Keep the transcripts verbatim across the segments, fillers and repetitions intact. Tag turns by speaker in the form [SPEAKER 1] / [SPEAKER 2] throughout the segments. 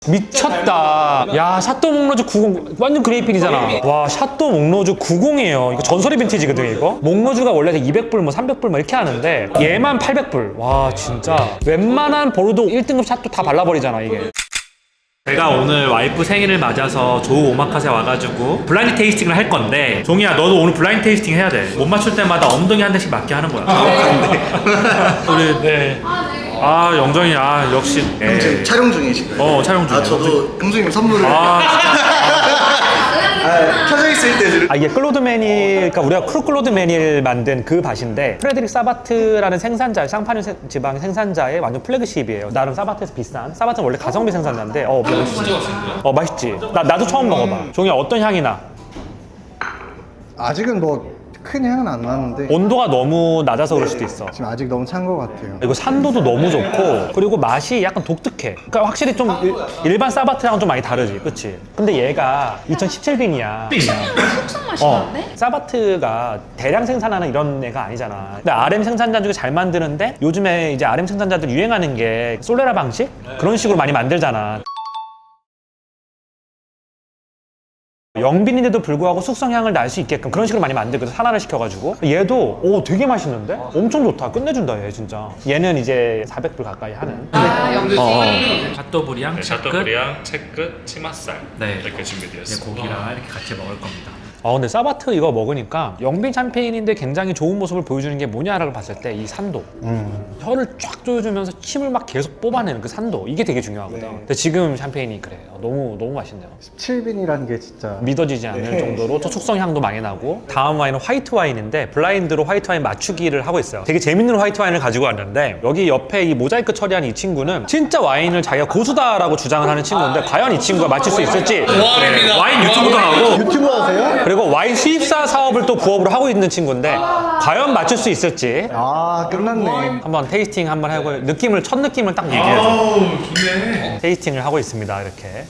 [SPEAKER 1] 미쳤다. 야, 샤또 몽로즈 구십 완전 그레이핀이잖아. 와, 샤또 몽로즈 구십이에요. 이거 전설의 빈티지거든 이거. 몽로즈가 원래 이백 불, 뭐 삼백 불 뭐 이렇게 하는데 얘만 팔백 불. 와, 진짜 웬만한 보르도 일 등급 샤또 다 발라버리잖아 이게. 제가 오늘 와이프 생일을 맞아서 조우 오마카세 와가지고 블라인드 테이스팅을 할 건데, 종이야 너도 오늘 블라인드 테이스팅 해야 돼. 못 맞출 때마다 엉덩이 한 대씩 맞게 하는 거야. 아, 우리 네. 아, 영정이, 아, 역시.
[SPEAKER 2] 형 지금 촬영 중이신가요?
[SPEAKER 1] 어, 촬영 중이에요.
[SPEAKER 2] 아, 저도 형수님 선물을.
[SPEAKER 1] 아,
[SPEAKER 2] 아, 켜져 있을 때.
[SPEAKER 1] 아, 이게 클로드 매닐, 그러니까 우리가 크루 클로드 매닐 만든 그 밭인데, 프레드릭 사바트라는 생산자, 샹파뉴 세- 지방 생산자의 완전 플래그십이에요. 나름 사바트에서 비싼. 사바트는 원래 가성비 생산자인데, 어, 맛있지. 어, 맛있지. 나, 나도 처음 먹어봐. 종이야, 어떤 향이 나?
[SPEAKER 2] 아직은 뭐 큰 향은 안 나는데
[SPEAKER 1] 온도가 너무 낮아서 그럴 수도 있어.
[SPEAKER 2] 지금 아직 너무 찬 것 같아요.
[SPEAKER 1] 이거 산도도 너무 좋고, 그리고 맛이 약간 독특해. 그러니까 확실히 좀 일, 일반 사바트랑은 좀 많이 다르지, 그치? 근데 얘가 이천십칠 빈이야.
[SPEAKER 3] 숙성 맛이 나는데?
[SPEAKER 1] 사바트가 대량 생산하는 이런 애가 아니잖아. 근데 알엠 생산자 중에 잘 만드는데, 요즘에 이제 알엠 생산자들 유행하는 게 솔레라 방식? 그런 식으로 많이 만들잖아. 영빈인데도 불구하고 숙성향을 날 수 있게끔 그런 식으로 많이 만들거든, 산화를 시켜가지고. 얘도 오 되게 맛있는데? 엄청 좋다. 끝내준다 얘 진짜. 얘는 이제 사백 불 가까이 하는.
[SPEAKER 3] 아, 영빈.
[SPEAKER 1] 샤또브리앙,
[SPEAKER 4] 네, 샤또브리앙, 채끝, 치맛살
[SPEAKER 1] 네.
[SPEAKER 4] 이렇게 준비되었습니다.
[SPEAKER 1] 고기랑 이렇게 같이 먹을 겁니다. 아, 근데 사바트 이거 먹으니까 영빈 샴페인인데 굉장히 좋은 모습을 보여주는 게 뭐냐라고 봤을 때 이 산도.
[SPEAKER 2] 음.
[SPEAKER 1] 혀를 쫙 조여주면서 침을 막 계속 뽑아내는 그 산도, 이게 되게 중요하거든.
[SPEAKER 2] 네.
[SPEAKER 1] 근데 지금 샴페인이 그래요. 너무 너무 맛있네요.
[SPEAKER 2] 십칠 빈이라는 게 진짜
[SPEAKER 1] 믿어지지 않는
[SPEAKER 2] 네.
[SPEAKER 1] 정도로 또 숙성향도 많이 나고. 다음 와인은 화이트 와인인데 블라인드로 화이트 와인 맞추기를 하고 있어요. 되게 재밌는 화이트 와인을 가지고 왔는데, 여기 옆에 이 모자이크 처리한 이 친구는 진짜 와인을 자기가 고수다라고 주장을 하는 친구인데, 과연 이 친구가 맞출 수 있을지. 네, 와인 유튜브도 하고,
[SPEAKER 2] 유튜버 하세요?
[SPEAKER 1] 그리고 와인 수입사 사업을 또 부업으로 하고 있는 친구인데, 과연 맞출 수 있을지.
[SPEAKER 2] 아, 끝났네.
[SPEAKER 1] 한번 테이스팅 한번 하고 느낌을, 첫 느낌을 딱 얘기해줘.
[SPEAKER 4] 아우 좋네.
[SPEAKER 1] 테이스팅을 하고 있습니다. 이렇게.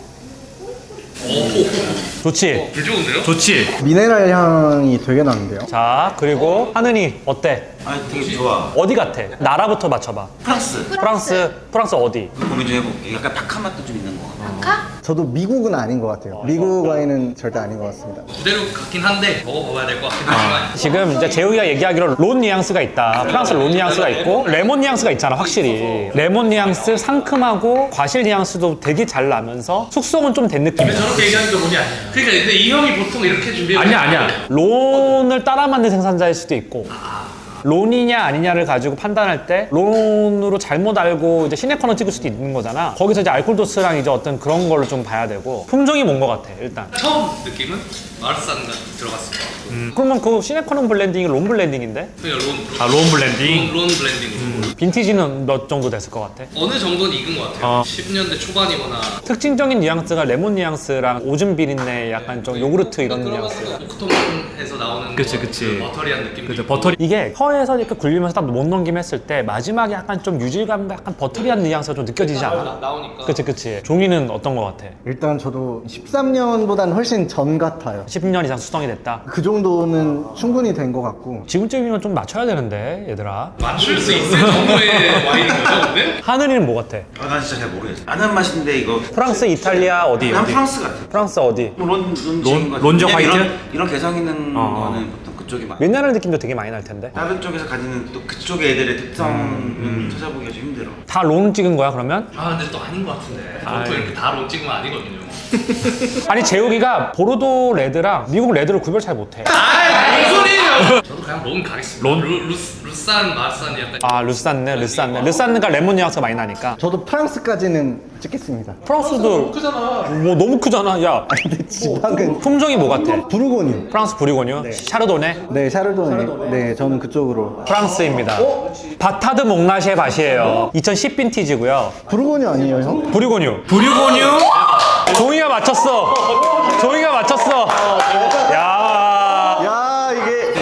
[SPEAKER 1] 좋지?
[SPEAKER 4] 개 좋은데요?
[SPEAKER 1] 좋지?
[SPEAKER 2] 미네랄 향이 되게 나는데요.
[SPEAKER 1] 자, 그리고 하느니 어때?
[SPEAKER 5] 아 되게 좋아.
[SPEAKER 1] 어디 같아? 나라부터 맞춰봐.
[SPEAKER 5] 프랑스.
[SPEAKER 1] 프랑스, 프랑스 어디?
[SPEAKER 5] 고민 좀 해볼게. 약간 박한 맛도 좀 있는 거.
[SPEAKER 3] 아까?
[SPEAKER 2] 저도 미국은 아닌 것 같아요. 미국 와인은 절대 아닌 것 같습니다.
[SPEAKER 6] 그대로 같긴 한데 먹어봐야 될 것 같긴 하지만
[SPEAKER 1] 지금 이제 재욱이가 얘기하기로 론 뉘앙스가 있다. 프랑스 론 뉘앙스가 있고, 레몬 뉘앙스가 있잖아, 확실히. 레몬 뉘앙스, 상큼하고 과실 뉘앙스도 되게 잘 나면서 숙성은 좀 된 느낌이야.
[SPEAKER 6] 저렇게 얘기하니까 론이 아니야. 그러니까 근데 이 형이 보통 이렇게 준비해
[SPEAKER 1] 아니야, 아니야. 론을 따라 만든 생산자일 수도 있고, 론이냐 아니냐를 가지고 판단할 때 론으로 잘못 알고 이제 시네커너 찍을 수도 있는 거잖아. 거기서 이제 알코올 도스랑 이제 어떤 그런 걸로 좀 봐야 되고, 품종이 뭔 거 같아 일단.
[SPEAKER 6] 처음 느낌은 마르산가 들어갔을 것 같고
[SPEAKER 1] 음. 그러면 그 시네커너 블렌딩이 론 블렌딩인데?
[SPEAKER 6] 그냥 론
[SPEAKER 1] 아, 론 블렌딩?
[SPEAKER 6] 론, 론 블렌딩으로
[SPEAKER 1] 빈티지는 몇 정도 됐을 것 같아?
[SPEAKER 6] 어느 정도는 익은 것 같아요.
[SPEAKER 1] 어.
[SPEAKER 6] 십 년대 초반이거나
[SPEAKER 1] 특징적인 뉘앙스가 레몬 뉘앙스랑 오줌 비린내, 약간 좀 요구르트 이런 뉘앙스.
[SPEAKER 6] 오크톤에서 나오는
[SPEAKER 1] 그치,
[SPEAKER 6] 그
[SPEAKER 1] 그치.
[SPEAKER 6] 버터리한 느낌.
[SPEAKER 1] 그죠, 버터리. 이게 혀에서 이렇게 굴리면서 딱 못 넘김 했을 때 마지막에 약간 좀 유질감과 약간 버터리한 뉘앙스가 좀 느껴지지 않아?
[SPEAKER 6] 나오니까.
[SPEAKER 1] 그치, 그치. 종이는 어떤 거 같아?
[SPEAKER 2] 일단 저도 십삼 년보다는 훨씬 전 같아요.
[SPEAKER 1] 십 년 이상 수성이 됐다.
[SPEAKER 2] 그 정도는 충분히 된 것 같고.
[SPEAKER 1] 지금쯤이면 좀 맞춰야 되는데, 얘들아.
[SPEAKER 6] 맞출 수 있을 정도의 와인인 거죠, 근데?
[SPEAKER 1] 하늘이는 뭐 같아?
[SPEAKER 5] 아, 난 진짜 잘 모르겠어. 아는 맛인데 이거.
[SPEAKER 1] 프랑스, 이탈리아 어디?
[SPEAKER 5] 난
[SPEAKER 1] 어디?
[SPEAKER 5] 프랑스 같아.
[SPEAKER 1] 프랑스 어디?
[SPEAKER 5] 론, 론,
[SPEAKER 1] 론-
[SPEAKER 5] 론,
[SPEAKER 1] 론저 화이트?
[SPEAKER 5] 이런, 이런 개성 있는
[SPEAKER 1] 어.
[SPEAKER 5] 거는 보통 그쪽이 많아.
[SPEAKER 1] 미네랄 느낌도 되게 많이 날 텐데.
[SPEAKER 5] 다른 쪽에서 가지는 또 그쪽의 애들의 특성을 찾아보기가 좀 힘들어.
[SPEAKER 1] 다 론 찍은 거야, 그러면?
[SPEAKER 6] 아 근데 또 아닌 것 같은데.
[SPEAKER 1] 아이.
[SPEAKER 6] 보통 이렇게 다 론 찍으면 아니거든요.
[SPEAKER 1] 아니, 재욱이가 보르도 레드랑 미국 레드를 구별 잘 못해.
[SPEAKER 6] 아 무슨 소리예요? 저도 그냥 론 가겠습니다. 론? 루, 루, 루산, 마르산이 약간
[SPEAKER 1] 아, 르산네, 르산네. 르산네가 레몬 뉘앙스가 많이 나니까.
[SPEAKER 2] 저도 프랑스까지는 찍겠습니다.
[SPEAKER 1] 프랑스도 크잖아. 뭐 너무 크잖아. 야,
[SPEAKER 2] 근데 지방은
[SPEAKER 1] 품종이 뭐 같아?
[SPEAKER 2] 부르고뉴.
[SPEAKER 1] 프랑스 부리고뉴, 샤르도네,
[SPEAKER 2] 네, 샤르도네. 네, 저는 그쪽으로.
[SPEAKER 1] 프랑스입니다. 바타드 몽라시의 밭이에요. 이천십 빈티지고요.
[SPEAKER 2] 부르고뉴 아니에요, 형?
[SPEAKER 1] 부리고뉴. 부리고뉴? 종이가 맞췄어. 종이가 맞췄어. 야,
[SPEAKER 2] 야, 이게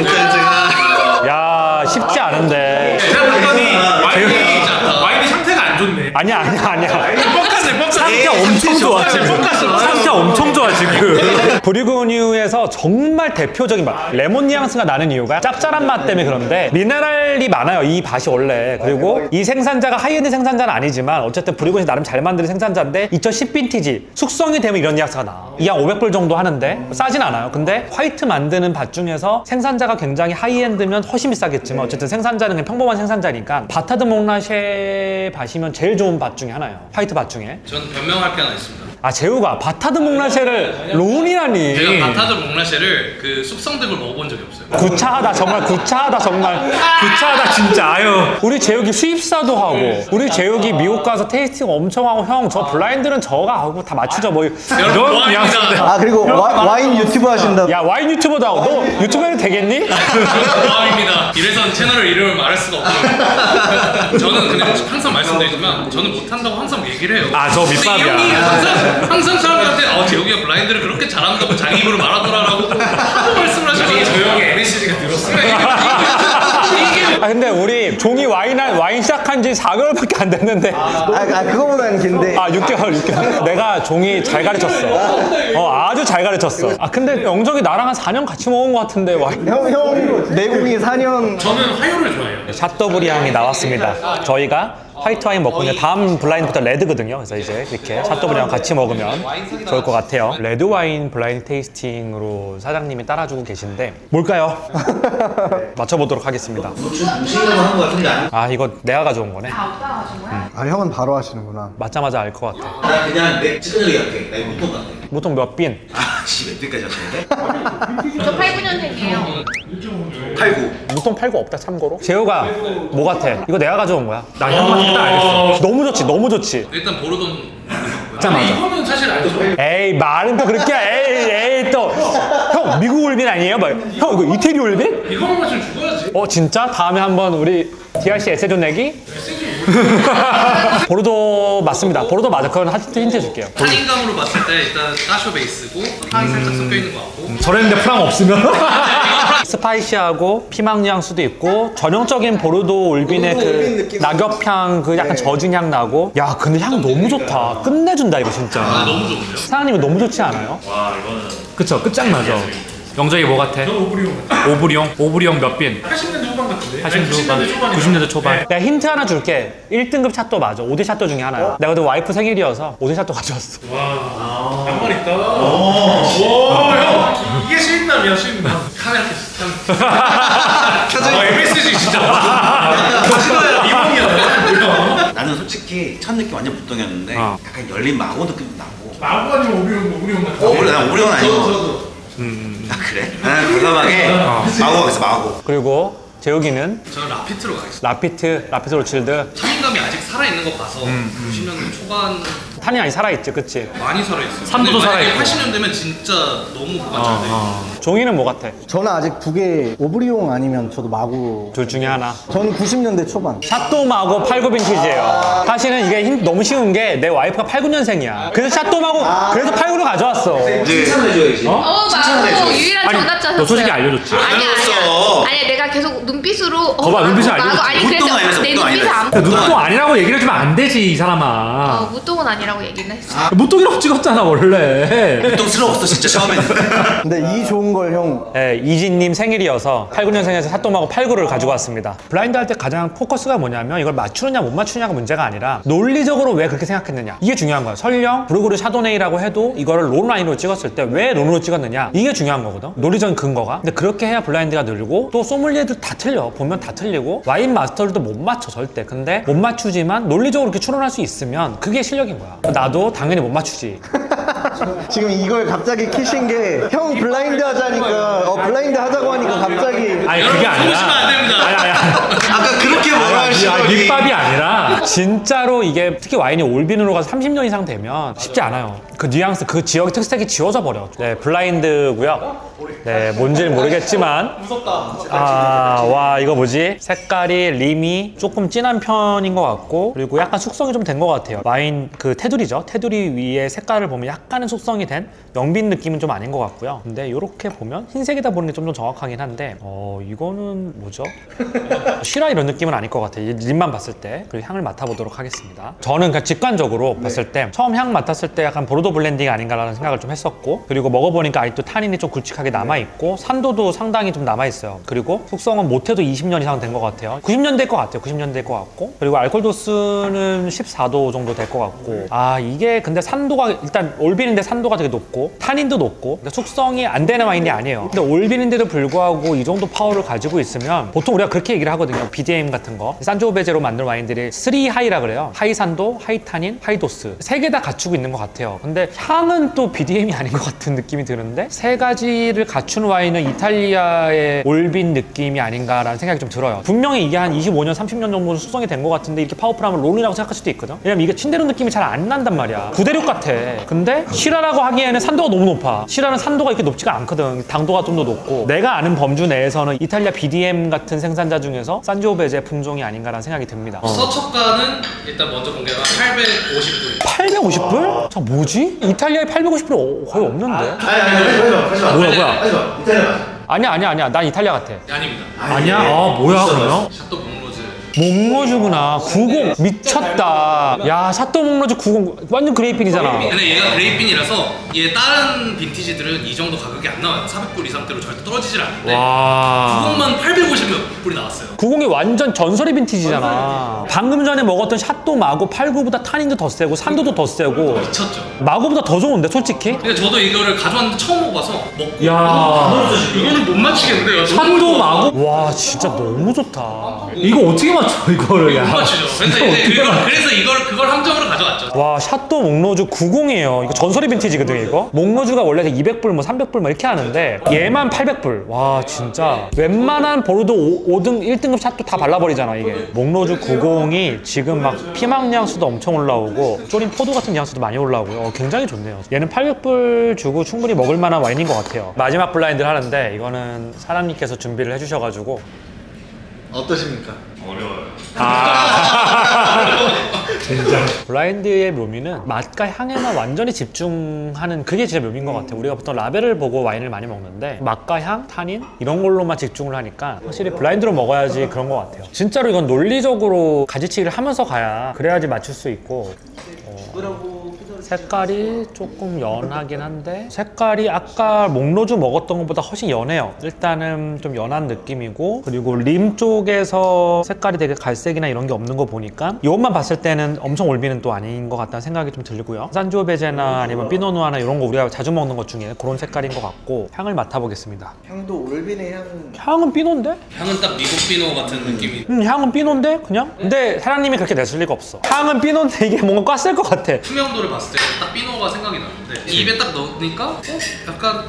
[SPEAKER 1] 야, 쉽지 않은데.
[SPEAKER 6] 제가 봤더니 와인이 와인이 상태가 안 좋네.
[SPEAKER 1] 아니야, 아니야, 아니야.
[SPEAKER 6] 뻑하네 뻑하네.
[SPEAKER 1] 상태 엄청 엄청 좋아 지금. 상태 엄청 좋아 지금. 브리그뉴에서 정말 대표적인 맛, 레몬 뉘앙스가 나는 이유가 짭짤한 맛 때문에 그런데 미네랄이 많아요 이 밭이 원래. 그리고 이 생산자가 하이엔드 생산자는 아니지만 어쨌든 브리그뉴에서 나름 잘 만드는 생산자인데 이천십 빈티지 숙성이 되면 이런 뉘앙스가 나. 이 한 오백 불 정도 하는데 싸진 않아요. 근데 화이트 만드는 밭 중에서 생산자가 굉장히 하이엔드면 훨씬 비싸겠지만 어쨌든 생산자는 그냥 평범한 생산자니까 바타드 몽라쉐 밭이면 제일 좋은 밭 중에 하나예요. 화이트 밭 중에.
[SPEAKER 6] 전 변명할 게 하나 있습니다.
[SPEAKER 1] 아 재우가 바타드 몽라쉐를 론이라니.
[SPEAKER 6] 제가 바타드 몽라쉐를 그 숙성된 걸 먹어본 적이 없어요.
[SPEAKER 1] 구차하다 정말 구차하다 정말 구차하다 진짜. 아유 우리 재욱이 수입사도 하고 우리 재욱이 미국 가서 테이스팅 엄청 하고 형 저 블라인드는 저가 하고 다 맞추죠 뭐
[SPEAKER 6] 여러분 고맙습니다.
[SPEAKER 2] 아 그리고 와, 와인 유튜브 하신다고.
[SPEAKER 1] 야 와인 유튜버도 하고 너 유튜브 해도 되겠니?
[SPEAKER 6] 고맙습니다. 이래선 채널을 이름을 말할 수가 없고 저는 그냥 항상 말씀드리지만 저는 못한다고 항상 얘기를 해요.
[SPEAKER 1] 아, 저
[SPEAKER 6] 근데
[SPEAKER 1] 밑밥이야.
[SPEAKER 6] 이 형이 항상, 항상 사람들한테 어 재욱이가 블라인드를 그렇게 잘한다고 자기 입으로 말하더라라고 하도 말씀을 하시고 저 형이 엠에스지가 늘었어요.
[SPEAKER 1] 아 근데 우리 종이 와인 한- 와인 시작한 지 사 개월밖에 안 됐는데
[SPEAKER 2] 아, 아 그거보다는 긴데.
[SPEAKER 1] 아 육 개월 육 개월 내가 종이 잘 가르쳤어. 어 아주 잘 가르쳤어. 아 근데 영정이 나랑 한 사 년 같이 먹은 것 같은데 와인.
[SPEAKER 2] 형, 형 내공이 사 년.
[SPEAKER 6] 저는 화요를 좋아해요.
[SPEAKER 1] 샷더블이 향이 나왔습니다. 저희가 화이트 와인 먹고 이제 다음 블라인드부터 레드거든요. 그래서 이제 이렇게 샷더블이랑 같이 먹으면 좋을 것 같아요. 레드 와인 블라인드 테이스팅으로 사장님이 따라주고 계신데 뭘까요? 맞춰보도록 하겠습니다.
[SPEAKER 5] 중식으로 하는 거 같은데 아니?
[SPEAKER 1] 아 이거 내가 가져온 거네.
[SPEAKER 3] 아, 오빠가 가진 거야?
[SPEAKER 2] 아 형은 바로 하시는구나.
[SPEAKER 1] 맞자마자 알 것 같아.
[SPEAKER 5] 나 그냥 내 찌그러기 할게. 나 이거 못본 것 같아.
[SPEAKER 1] 보통 몇 빈?
[SPEAKER 5] 아씨 몇 대까지 하시는데?
[SPEAKER 3] 저 팔, 구 년생이에요.
[SPEAKER 5] 팔 구.
[SPEAKER 1] 무통 팔고 없다 참고로. 재호가 뭐 같아? 이거 내가 가져온 거야. 나 향만 딱 알겠어. 너무 좋지 너무 좋지.
[SPEAKER 6] 일단 보르돈
[SPEAKER 1] 맞아, 맞아.
[SPEAKER 6] 이거는 사실 알죠.
[SPEAKER 1] 에이 말은 또 그렇게 에이 에이 또 형 미국 올빈 아니에요? 막, 형 이거 이태리 올빈?
[SPEAKER 6] 이거만 마시면 죽어야지.
[SPEAKER 1] 어 진짜? 다음에 한번 우리 디알씨 에세존 내기? 보르도 맞습니다. 보르도 맞아. 그건 힌트 힌트 해줄게요.
[SPEAKER 6] 타인감으로 봤을 때 일단 까쇼 베이스고 향이 살짝 섞여 있는 것 같고
[SPEAKER 1] 저랬는데 프랑 없으면? 스파이시하고 피망 뉘앙스도 있고 전형적인 보르도 올빈의 그 낙엽향 그 약간 젖은 향 나고. 야 근데 향 너무 좋다. 끝내준다 이거 진짜.
[SPEAKER 6] 아, 너무 좋은데요?
[SPEAKER 1] 사장님이 너무 좋지 않아요?
[SPEAKER 4] 와 이거는
[SPEAKER 1] 그쵸 끝장나죠. 영정이 뭐 같아?
[SPEAKER 4] 오브리온
[SPEAKER 1] 오브리용? 오브리용 몇 빈?
[SPEAKER 4] 팔십 년대 후반 같은데?
[SPEAKER 1] 팔십 년대 후반, 구십 년대 초반. 내가 힌트 하나 줄게. 일 등급 샷도 맞아. 오 대 샷도 중에 하나야. 내가 그때 와이프 생일이어서 오 대 샷도 가져왔어.
[SPEAKER 4] 와 양말 있다 오형 이게 수입남이야 수입남
[SPEAKER 6] 카메라 켜져.
[SPEAKER 4] 아 엠에스지 진짜 하시나요? 이봉이야
[SPEAKER 5] 나는 솔직히 첫 느낌 완전 무똥이었는데
[SPEAKER 1] 어.
[SPEAKER 5] 약간 열린 마고 느낌도 나고.
[SPEAKER 4] 마구 아니면 오브리온 오브리온 같은
[SPEAKER 5] 어, 원래 난 오리온 아니고.
[SPEAKER 6] 저도
[SPEAKER 5] 아 그래? 나는 과감하게 마고 가겠어 마고.
[SPEAKER 1] 그리고 재욱이는
[SPEAKER 6] 저는 라피트로 가겠습니다.
[SPEAKER 1] 라피트, 라피트 로칠드.
[SPEAKER 6] 타인감이 아직 살아있는 거 봐서 구십 년대 초반
[SPEAKER 1] 탄이 아니 살아있지, 그치?
[SPEAKER 6] 많이 살아있어요.
[SPEAKER 1] 산도도
[SPEAKER 6] 근데 만약에
[SPEAKER 1] 살아있고.
[SPEAKER 6] 팔십 년 되면 진짜 너무 그만 잘 돼.
[SPEAKER 1] 종이는 뭐 같아?
[SPEAKER 2] 저는 아직 두 개 오브리용 아니면 저도 마구.
[SPEAKER 1] 둘 중에 하나.
[SPEAKER 2] 저는 구십 년대 초반.
[SPEAKER 1] 샷도마고 팔, 구 빈티지예요. 사실은 이게 힘- 너무 쉬운 게 내 와이프가 팔, 구 년생이야. 그래서 샷도마고 그래서 팔, 구를 가져왔어.
[SPEAKER 5] 이제 칭찬해줘야지.
[SPEAKER 3] 어, 맞고 유일한
[SPEAKER 1] 아니,
[SPEAKER 3] 정답자
[SPEAKER 1] 너 솔직히
[SPEAKER 3] 샀어요.
[SPEAKER 1] 알려줬지?
[SPEAKER 3] 아니야,
[SPEAKER 5] 알려줬어.
[SPEAKER 3] 아니야. 아니야, 내가 계속 눈빛으로. 어,
[SPEAKER 1] 거봐,
[SPEAKER 3] 마고,
[SPEAKER 1] 눈빛을
[SPEAKER 3] 마고.
[SPEAKER 1] 알려줬지.
[SPEAKER 3] 아니, 그래도
[SPEAKER 5] 무똥 아니라서
[SPEAKER 3] 내
[SPEAKER 5] 무똥
[SPEAKER 3] 눈빛을
[SPEAKER 5] 아니라서.
[SPEAKER 3] 안.
[SPEAKER 1] 무통 아니라고 얘기를 해주면 안 되지, 이 사람아.
[SPEAKER 3] 어, 무똥은 아니라고 얘기는 했어.
[SPEAKER 1] 무통이라고 찍었잖아, 원래.
[SPEAKER 5] 무똥스러웠어 진짜 처음에는.
[SPEAKER 2] 근데 이 좋은 걸 형.
[SPEAKER 1] 네, 이진님 생일이어서 팔, 구 년생에서 샷도마고 팔, 구를 가지고 왔습니다. 블라인드 할 때 가장 포커스가 뭐냐면 이걸 맞추느냐 못 맞추느냐가 문제가 아니라 논리적으로 왜 그렇게 생각했느냐. 이게 중요한 거야. 설령 브루그르 샤도네이라고 해도 이거를 론 라인으로 찍었을 때 왜 론으로 찍었느냐. 이게 중요한 거거든. 논리적인 근거가. 근데 그렇게 해야 블라인드가 늘고 또 소믈리에도 다 틀려. 보면 다 틀리고 와인 마스터들도 못 맞춰 절대. 근데 못 맞추지만 논리적으로 이렇게 추론할 수 있으면 그게 실력인 거야. 나도 당연히 못 맞추지.
[SPEAKER 2] 지금 이걸 갑자기 키신 게 형 블라인드 하자니까 어 블라인드 하자고 하니까 갑자기.
[SPEAKER 1] 아니
[SPEAKER 6] 여러분 속으시면 안 됩니다.
[SPEAKER 1] 아니 아니 아니.
[SPEAKER 5] 아까 그렇게 뭐라
[SPEAKER 1] 아니,
[SPEAKER 5] 하시더니.
[SPEAKER 1] 아니, 밑밥이 아니라 진짜로 이게 특히 와인이 올빈으로 가서 삼십 년 이상 되면 쉽지 않아요. 그 뉘앙스, 그 지역의 특색이 지워져 버려. 네, 블라인드고요. 네, 뭔지 모르겠지만 무섭다. 아, 와 이거 뭐지? 색깔이 림이 조금 진한 편인 것 같고 그리고 약간 숙성이 좀 된 것 같아요. 와인 그 테두리죠. 테두리 위에 색깔을 보면 약간은 숙성이 된 영빈 느낌은 좀 아닌 것 같고요. 근데 이렇게 보면 흰색이다 보는 게 좀 더 정확하긴 한데 어 이거는 뭐죠? 시라 이런 느낌은 아닐 것 같아요. 이 립만 봤을 때. 그리고 향을 맡아보도록 하겠습니다. 저는 그냥 직관적으로 네. 봤을 때 처음 향 맡았을 때 약간 보르도 블렌딩 아닌가라는 생각을 좀 했었고, 그리고 먹어보니까 아직도 타닌이 좀 굵직하게 남아있고 산도도 상당히 좀 남아있어요. 그리고 숙성은 못해도 이십 년 이상 된 것 같아요. 구십 년대일 것 같아요. 구십 년대일 것 같고, 그리고 알코올 도수는 십사 도 정도 될 것 같고. 아 이게 근데 산도가 일단 올빈인데 산도가 되게 높고 타닌도 높고, 그러니까 숙성이 안 되는 와인이 아니에요. 근데 올빈인데도 불구하고 이 정도 파워를 가지고 있으면 보통 우리가 그렇게 얘기를 하거든요. 비디엠 같은 거 산조베제로 만든 와인들이 쓰리 하이라 그래요. 하이 산도, 하이 타닌, 하이 도스 세 개 다 갖추고 있는 것 같아요. 근데 향은 또 비디엠이 아닌 것 같은 느낌이 드는데 세 가지를 갖춘 와인은 이탈리아의 올빈 느낌이 아닌가라는 생각이 좀 들어요. 분명히 이게 한 이십오 년, 삼십 년 정도 숙성이 된 것 같은데 이렇게 파워풀하면 론이라고 생각할 수도 있거든. 왜냐면 이게 침대로 느낌이 잘 안 난단 말이야. 구대륙 같아. 근데 시라라고 하기에는 산도가 너무 높아. 시라는 산도가 이렇게 높지가 않거든. 당도가 좀 더 높고. 내가 아는 범주 내에서는 이탈리아 비디엠 같은 생산자 중에서 산지오베제 품종이 아닌가라는 생각이 듭니다. 어.
[SPEAKER 6] 서초가는 일단 먼저 공개가 팔백오십 불.
[SPEAKER 1] 팔백오십 불? 자 뭐지? 이탈리아에 팔백오십 불이 거의 없는데?
[SPEAKER 2] 아니 아니 하지마 하지마
[SPEAKER 1] 뭐야 뭐야?
[SPEAKER 2] 하지마 이탈리아 맞아.
[SPEAKER 1] 아니야 아니야 아니야. 난 이탈리아 같아.
[SPEAKER 6] 아닙니다.
[SPEAKER 1] 아니야? 아 뭐야 그러면?
[SPEAKER 6] 샤또 몽로즈.
[SPEAKER 1] 몽로주구나. 구십 미쳤다. 야 샤또 몽로주 구십 완전 그레이핀이잖아.
[SPEAKER 6] 근데 얘가 그레이핀이라서 얘 다른 빈티지들은 이 정도 가격이 안 나와요. 사백 불 이상대로 절대 떨어지질 않는데
[SPEAKER 1] 와.
[SPEAKER 6] 구십만 팔백오십 불이 나왔어요.
[SPEAKER 1] 구십이 완전 전설의 빈티지잖아. 방금 전에 먹었던 샤또 마고 팔십구보다 타닌도 더 세고 산도도 더 세고
[SPEAKER 6] 미쳤죠.
[SPEAKER 1] 마고보다 더 좋은데 솔직히?
[SPEAKER 6] 근데 저도 이거를 가져왔는데 처음 먹어봐서 먹고
[SPEAKER 1] 야.
[SPEAKER 6] 이거는 못 맞추겠는데요.
[SPEAKER 1] 샤또 마고? 와 진짜 너무 좋다. 이거 어떻게 맞춰 이거를?
[SPEAKER 6] 못 맞추죠. 그래서 이제 그걸, 그래서 이걸 그걸 함정으로 가져왔죠.
[SPEAKER 1] 와 샤또 몽로주 구십이에요. 이거 전설의 빈티지거든요 이거. 몽로주가 원래 이백 불 뭐 삼백 불 뭐 이렇게 하는데 얘만 팔백 불. 와 진짜 웬만한 보르도 오 등 일 등급 샤또 다 발라버리잖아 이게. 몽로주 구십이 지금 막 피망 뉘앙스도 엄청 올라오고 쪼린 포도 같은 뉘앙스도 많이 올라오고요. 어, 굉장히 좋네요. 얘는 팔백 불 주고 충분히 먹을 만한 와인인 것 같아요. 마지막 블라인드를 하는데 이거는 사람님께서 준비를 해주셔가지고
[SPEAKER 2] 어떠십니까?
[SPEAKER 1] 진짜 블라인드의 묘미는 맛과 향에만 완전히 집중하는 그게 진짜 묘미인 것 같아요. 우리가 보통 라벨을 보고 와인을 많이 먹는데 맛과 향, 타닌 이런 걸로만 집중을 하니까 확실히 블라인드로 먹어야지 그런 것 같아요. 진짜로 이건 논리적으로 가지치기를 하면서 가야 그래야지 맞출 수 있고. 어... 색깔이 조금 연하긴 한데 색깔이 아까 몽로주 먹었던 것보다 훨씬 연해요. 일단은 좀 연한 느낌이고, 그리고 림 쪽에서 색깔이 되게 갈색이나 이런 게 없는 거 보니까 이것만 봤을 때는 엄청 올비는 또 아닌 것 같다는 생각이 좀 들고요. 산지오베제나 아니면 피노누아나 이런 거 우리가 자주 먹는 것 중에 그런 색깔인 것 같고. 향을 맡아보겠습니다.
[SPEAKER 2] 향도 올빈의 향.
[SPEAKER 1] 향은 피노인데?
[SPEAKER 6] 향은 딱 미국 피노 같은 느낌이.
[SPEAKER 1] 음 향은 피노인데 그냥? 근데 사장님이 그렇게 냈을 리가 없어. 향은 피노인데 이게 뭔가 꽈쓸 것 같아.
[SPEAKER 6] 투명도를 봤을 때 딱 피노가 생각이 나는데 입에 딱 넣으니까 어? 약간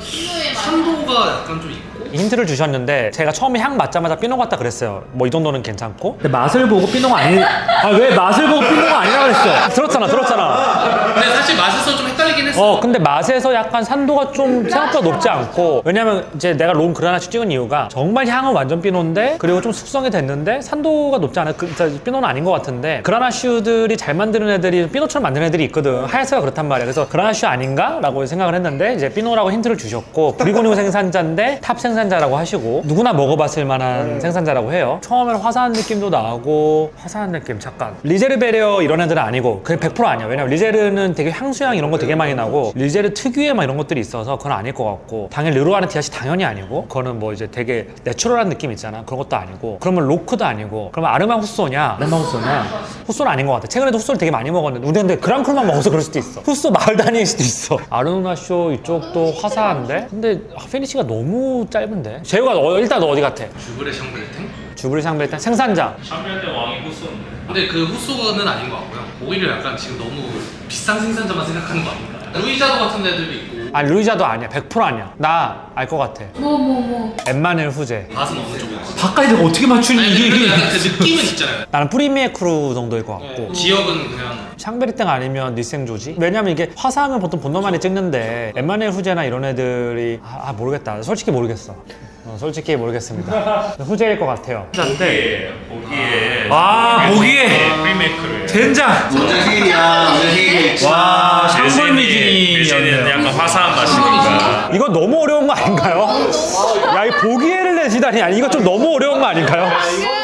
[SPEAKER 6] 산도가 약간 좀 있고.
[SPEAKER 1] 힌트를 주셨는데 제가 처음에 향 맡자마자 피노 같다 그랬어요. 뭐 이 정도는 괜찮고. 근데 맛을 보고 피노가 아니. 아 왜 맛을 보고 피노가 아니라 그랬어? 들었잖아, 들었잖아.
[SPEAKER 6] 근데 사실 맛에서 좀 헷갈리긴 했어.
[SPEAKER 1] 어, 근데 맛에서 약간 산도가 좀 생각보다 높지 않고. 왜냐면 이제 내가 론 그라나슈 찍은 이유가 정말 향은 완전 피노인데 그리고 좀 숙성이 됐는데 산도가 높지 않아. 그, 피노는 아닌 것 같은데 그라나슈들이 잘 만드는 애들이 피노처럼 만드는 애들이 있거든. 하야스가 그렇단 말이야. 그래서 그라나슈 아닌가? 라고 생각을 했는데 이제 피노라고 힌트를 주셨고 브리고뉴 생산자인데 탑 생산자라고 하시고 누구나 먹어봤을 만한 생산자라고 해요. 처음에는 화사한 느낌도 나고. 화사한 느낌 잠깐 리제르 베레어 이런 애들은 아니고 그게 백 퍼센트 아니야. 왜냐면 리제르는 되게 향수향 이런 거 되게 많이 나고 리제르 특유의 막 이런 것들이 있어서 그건 아닐 것 같고, 당연히 르로아는 디아시 당연히 아니고, 그거는 뭐 이제 되게 내추럴한 느낌 있잖아. 그런 것도 아니고, 그러면 로크도 아니고, 그러면 아르마 후쏘냐? 아르마 후쏘냐? 후쏘는 아닌 것 같아. 최근에도 후쏘를 되게 많이 먹었는데 우리 근데 그랑크루만 먹어서 그럴 수도 있어. 후쏘 마을 다닐 수도 있어. 아르누나쇼 이쪽도 화사한데 근데 피니시가 너무 짧은데. 재우가 어, 일단 너 어디 같아?
[SPEAKER 6] 주브레 샹벨탱?
[SPEAKER 1] 주브리 샹벨탄 생산자.
[SPEAKER 4] 샴페인대 왕이 후쏘인데.
[SPEAKER 6] 근데 그 후쏘는 아닌 것 같고요. 오히려 약간 지금 너무 비싼 생산자만 생각하는 거 아닌가? 루이자도 같은 애들도 있고.
[SPEAKER 1] 아니 루이자도 아니야. 백 퍼센트 아니야. 나 알 것 같아.
[SPEAKER 3] 뭐 뭐 뭐.
[SPEAKER 1] 엠마넬 후제.
[SPEAKER 6] 맛은 어느 쪽이야?
[SPEAKER 1] 가까이 대고 어떻게 맞추니?
[SPEAKER 6] 아니 근데 그래도 약간 그 느낌은 있잖아요.
[SPEAKER 1] 나는 프리미에 크루 정도일 것 같고.
[SPEAKER 6] 지역은 그냥
[SPEAKER 1] 샹베리땡 아니면 니생조지? 왜냐면 이게 화사하면 보통 본너만이 찍는데 엠마넬 후제나 이런 애들이 아, 아 모르겠다. 솔직히 모르겠어. 어, 솔직히 모르겠습니다. 후제일 것 같아요.
[SPEAKER 4] 보기에 보기에
[SPEAKER 1] 아, 보기에
[SPEAKER 4] 프리메이크를
[SPEAKER 1] 젠장.
[SPEAKER 2] 원장 생일이야. 원장 생일.
[SPEAKER 1] 와,
[SPEAKER 4] 대신이
[SPEAKER 1] 상벌미진이었네요.
[SPEAKER 4] 약간 화사한 맛이니까.
[SPEAKER 1] 이거 너무 어려운 거 아닌가요? 야, 이 보기에를 내시다니. 아니, 이거 좀 너무 어려운 거 아닌가요?